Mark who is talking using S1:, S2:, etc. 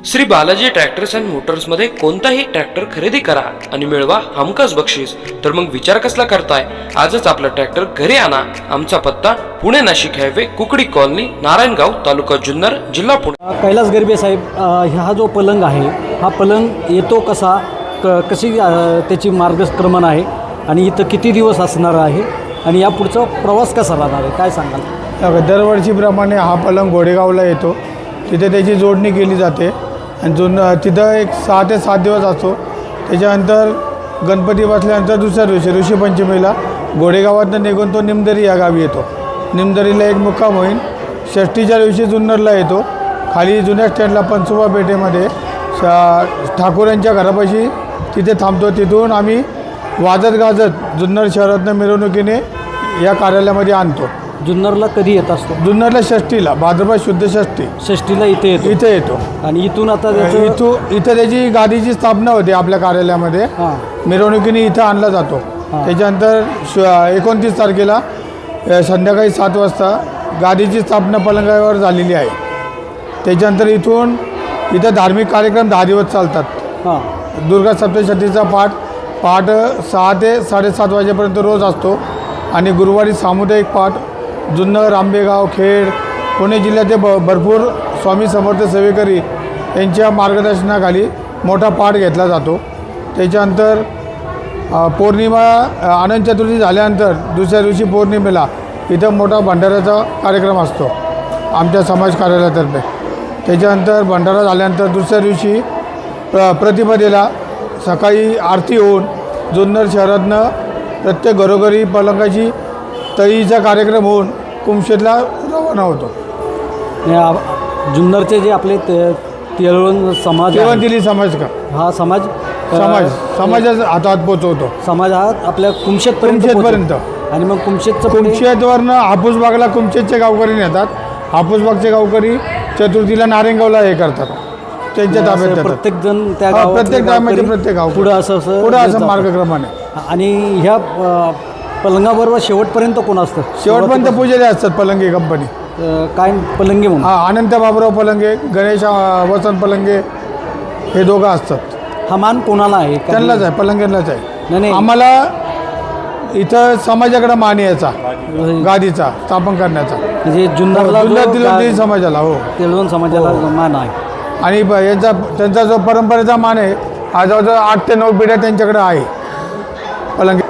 S1: Shri Balaji tractors and मोटर्समध्ये कोणताही tractor खरेदी करा आणि मिळवा हमखास बक्षीस। तर मग विचार कसला करताय, आजच आपला ट्रॅक्टर घरी आणा। आमचा पत्ता पुणे नाशिक हायवे, कुकडी कॉलनी, नारायणगाव, तालुका जुन्नर, जिल्हा पुणे।
S2: कैलास गरबे साहेब, हा जो पलंग आहे, हा पलंग येतो कसा, कशी त्याची मार्गक्रमण आहे आणि इथं किती दिवस असणार आहे आणि या पुढचा प्रवास कसा राहणार आहे, काय सांगाल?
S3: दरवर्षीप्रमाणे हा पलंग घोडेगावला येतो, तिथे त्याची जोडणी केली जाते आणि तिथं एक 6 ते 7 दिवस असतो। त्याच्यानंतर गणपती बसल्यानंतर दुसऱ्या दिवशी ऋषीपंचमीला घोडेगावातनं निघून तो निमदरी या गावी येतो। निमदरीला एक मुक्काम होईल। षष्टीच्या दिवशी जुन्नरला येतो। खाली जुन्या स्टँडला पंचोबा पेठेमध्ये ठाकूरांच्या घरापाशी तिथे थांबतो। तिथून आम्ही वाजत गाजत जुन्नर शहरातनं मिरवणुकीने या कार्यालयामध्ये आणतो।
S2: जुन्नरला कधी येत असतो?
S3: जुन्नरला षष्टीला, भाद्रपद शुद्ध
S2: षष्टीला इथे येतो आणि इथून आता
S3: इथं त्याची गादीची स्थापना होते आपल्या कार्यालयामध्ये। मिरवणुकीने इथं आणला जातो। त्याच्यानंतर 29 तारखेला संध्याकाळी 7 वाजता गादीची स्थापना पलंगावर झालेली आहे। त्याच्यानंतर इथं धार्मिक कार्यक्रम 10 दिवस चालतात। दुर्गा सप्तशतीचा पाठ 6 ते 7:30 वाजेपर्यंत रोज असतो आणि गुरुवारी सामुदायिक पाठ जुन्नर, आंबेगाव, खेड, पुणे जिल्ह्याचे भरपूर स्वामी समर्थ सेवेकरी यांच्या मार्गदर्शनाखाली मोठा पाठ घेतला जातो। त्याच्यानंतर पौर्णिमा, अनंत चतुर्थी झाल्यानंतर दुसऱ्या दिवशी पौर्णिमेला इथं मोठा भंडाऱ्याचा कार्यक्रम असतो आमच्या समाज कार्यालयातर्फे। त्याच्यानंतर भंडारा झाल्यानंतर दुसऱ्या दिवशी प्रतिपदेला सकाळी आरती होऊन जुन्नर शहरातनं प्रत्येक घरोघरी पलंगाची तळीचा कार्यक्रम होऊन कुमशेतला रवाना होतो।
S2: जुन्नरचे जे आपले तेळवण समाज,
S3: तेवंतिली समाज का,
S2: हा समाजाच्या
S3: हातात पोचवतो।
S2: समाज हा आपल्या कुमशेतपर्यंत आणि मग
S3: कुमशेतवरनं हापूसबागला कुमशेतचे गावकरी नेतात। हापूसबागचे गावकरी चतुर्थीला नारायणगावला हे करतात, त्यांच्या ताब्यात
S2: प्रत्येक जण त्या
S3: प्रत्येक गावामध्ये प्रत्येक गाव
S2: पुढं
S3: असं मार्गक्रमाने।
S2: आणि ह्या पलंगाबरोबर शेवटपर्यंत कोण असतं?
S3: शेवटपर्यंत पुजारी असतात पलंगे कंपनी,
S2: काय पलंगे म्हणून?
S3: अनंत बाबुराव पलंगे, गणेश वसंत पलंगे हे दोघं असतात।
S2: हा मान कोणाला आहे?
S3: त्यांनाच आहे, पलंगेंनाच आहे।
S2: नाही,
S3: आम्हाला इथं समाजाकडे मान यायचा, गादीचा स्थापन करण्याचा,
S2: म्हणजे जुन्नर
S3: समाजाला, हो
S2: तेलवण समाजाला मान आहे।
S3: आणि त्यांचा जो परंपरेचा मान आहे, हा जवळजवळ 8 ते 9 पिढ्या त्यांच्याकडे आहे पलंगे।